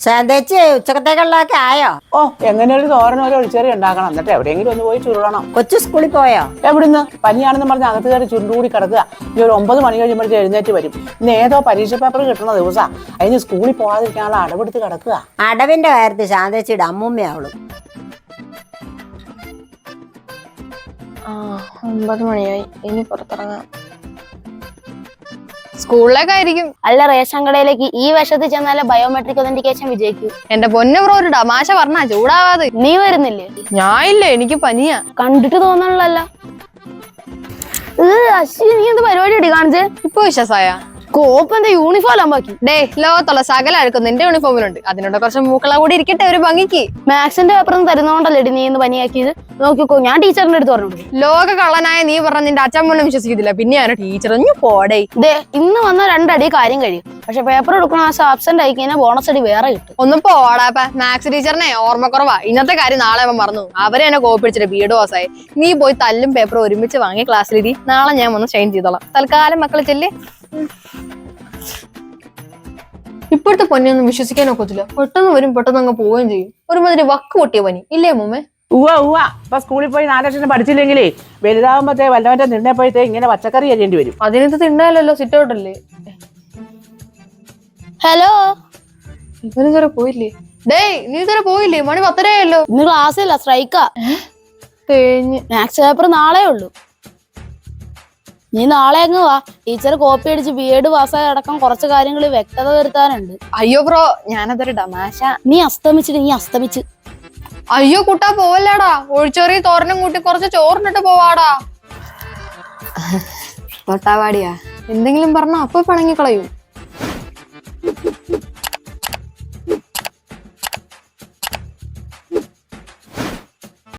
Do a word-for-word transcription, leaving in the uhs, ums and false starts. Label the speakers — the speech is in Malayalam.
Speaker 1: ശാന്തേച്ചി ഉച്ചക്കത്തേക്കുള്ളതൊക്കെ ആയോ?
Speaker 2: ഓ എങ്ങനെ ഒരു തോരനോ ഒരു ഒഴിച്ചേറി ഉണ്ടാക്കണം. എന്നിട്ട് എവിടെയെങ്കിലും ഒന്ന് പോയി ചുരുളണം.
Speaker 1: കൊച്ചു സ്കൂളിൽ പോയോ?
Speaker 2: എവിടുന്ന്? പനിയാണെന്ന് പറഞ്ഞ് അകത്ത് കയറി ചുരുണ്ടുകൂടി കിടക്കുക. ഇനി ഒരു ഒമ്പത് മണി കഴിയുമ്പോഴത്തേക്ക് എഴുന്നേറ്റ് വരും. ഇന്ന് ഏതോ പരീക്ഷ പേപ്പർ കിട്ടണ ദിവസാ. അതിന് സ്കൂളിൽ പോകാതിരിക്കാനുള്ള അടവെടുത്ത് കിടക്കുക.
Speaker 1: അടവിന്റെ കാര്യത്തിൽ ശാന്തേച്ചിയുടെ അമ്മൂമ്മയാവളും.
Speaker 3: ആ ഒമ്പത് മണിയായി, ഇനി പുറത്തിറങ്ങാം. സ്കൂളിലേക്കായിരിക്കും.
Speaker 4: അല്ല, റേഷൻ കടയിലേക്ക് ഈ വർഷത്തിൽ ചെന്നാലേ ബയോമെട്രിക് ഒതന്റിക്കേഷൻ വിജയിക്കൂ.
Speaker 3: എന്റെ പൊന്നു ബ്രോ, ഒരു തമാശ പറഞ്ഞാ ചൂടാവാതെ.
Speaker 4: നീ വരുന്നില്ലേ?
Speaker 3: ഞാൻ ഇല്ല, എനിക്ക് പനിയാ.
Speaker 4: കണ്ടിട്ട് തോന്നണല്ലോ. അശ്വിനി, നീ എന്ത് പരിപാടി അടി കാണിച്ചേ?
Speaker 3: ഇപ്പൊ വിശ്വാസായ
Speaker 4: കോപ്പ് എന്താ യൂണിഫോം ആമ്പാക്കി?
Speaker 3: ഡേ, ലോകത്തുള്ള സകല അഴുക്കും നിന്റെ യൂണിഫോമിലുണ്ട്. അതിനോട് കുറച്ച് മൂക്കള കൂടി ഇരിക്കട്ടെ ഒരു ഭംഗിക്ക്.
Speaker 4: മാത്സിന്റെ പേപ്പർ തരുന്നോണ്ടല്ലേ നീ ഇന്ന് പനിയാക്കിയത്? നോക്കിക്കോ, ഞാൻ ടീച്ചറിന്റെ അടുത്ത് പറഞ്ഞു.
Speaker 3: ലോക കള്ളനായ നീ പറഞ്ഞ നിന്റെ അച്ഛൻ പോലും വിശ്വസിക്കത്തില്ല, പിന്നെയാണ് ടീച്ചർ. ഒന്ന് പോടേ.
Speaker 4: ദേ, ഇന്ന് വന്ന രണ്ടടി കാര്യം കഴിയും. പക്ഷെ പേപ്പർ എടുക്കണ മാസം ആബ്സെന്റ് ആയി കഴിഞ്ഞാൽ ബോണസ് അടി വേറെ കിട്ടും.
Speaker 3: ഒന്ന് പോടാപ്പ. മാത്സ് ടീച്ചറിനെ ഓർമ്മക്കുറവാ. ഇന്നത്തെ കാര്യം നാളെ അവൻ മറന്നു. അവരെ എന്നെ കോപ്പിടിച്ചിട്ട് ബി എഡ് പാസ്സായി. നീ പോയി തല്ലും പേപ്പറും ഒരുമിച്ച് വാങ്ങി ക്ലാസ്സിലിരി. നാളെ ഞാൻ ഒന്ന് ഷൈൻ ചെയ്തോളാം. തൽക്കാലം മക്കളെ ചെല്ലേ. ഇപ്പോഴത്തെ പനിയൊന്നും വിശ്വസിക്കാൻ ഒക്കത്തില്ല. പെട്ടെന്ന് വരും, പെട്ടെന്ന് അങ്ങ് പോവുകയും ചെയ്യും. ഒരുമാതിരി വക്ക് പൊട്ടിയ പനി ഇല്ലേ മുമ്മേ?
Speaker 2: ഉവ്വ ഉവ്വ ഇപ്പൊ സ്കൂളിൽ പോയി നാലക്ഷരം പഠിച്ചില്ലെങ്കിലേ വലുതാകുമ്പത്തേ വല്ലവന്റെ നിന്നപ്പോഴത്തേ ഇങ്ങനെ പച്ചക്കറി അരിയേണ്ടി വരും.
Speaker 3: അതിനകത്ത് തിണ്ടാലല്ലോ, സിറ്റ് ഔട്ടല്ലേ.
Speaker 4: ഹലോ,
Speaker 3: ഇവന് ഇതുവരെ പോയില്ലേ? ഡേയ്, നീ ഇതുവരെ പോയില്ലേ? മണി പത്തരയായല്ലോ.
Speaker 4: ഇന്ന് ക്ലാസ്സില്ല, സ്ട്രൈക്കാ.
Speaker 3: തേഞ്ഞ്.
Speaker 4: മാത്സ് പേപ്പർ നാളെ ഉള്ളൂ. നീ നാളെ അങ്ങ് വാ. ടീച്ചർ കോപ്പി അടിച്ച് ബി എഡ് പാസ്സായ അടക്കം കുറച്ച് കാര്യങ്ങളിൽ വ്യക്തത വരുത്താനുണ്ട്.
Speaker 3: അയ്യോ ബ്രോ, ഞാനതൊരു തമാശ.
Speaker 4: നീ അസ്തമിച്ചിട്ട് നീ അസ്തമിച്ച്
Speaker 3: അയ്യോ കുട്ടാ, പോവല്ലേടാ. ഒഴിച്ചെറിയ തോരനും കൂട്ടി കുറച്ച് ചോറിനിട്ട് പോവാടാ. തൊട്ടാവാടിയാ എന്തെങ്കിലും പറഞ്ഞാ അപ്പൊ പിണങ്ങിക്കളയൂ.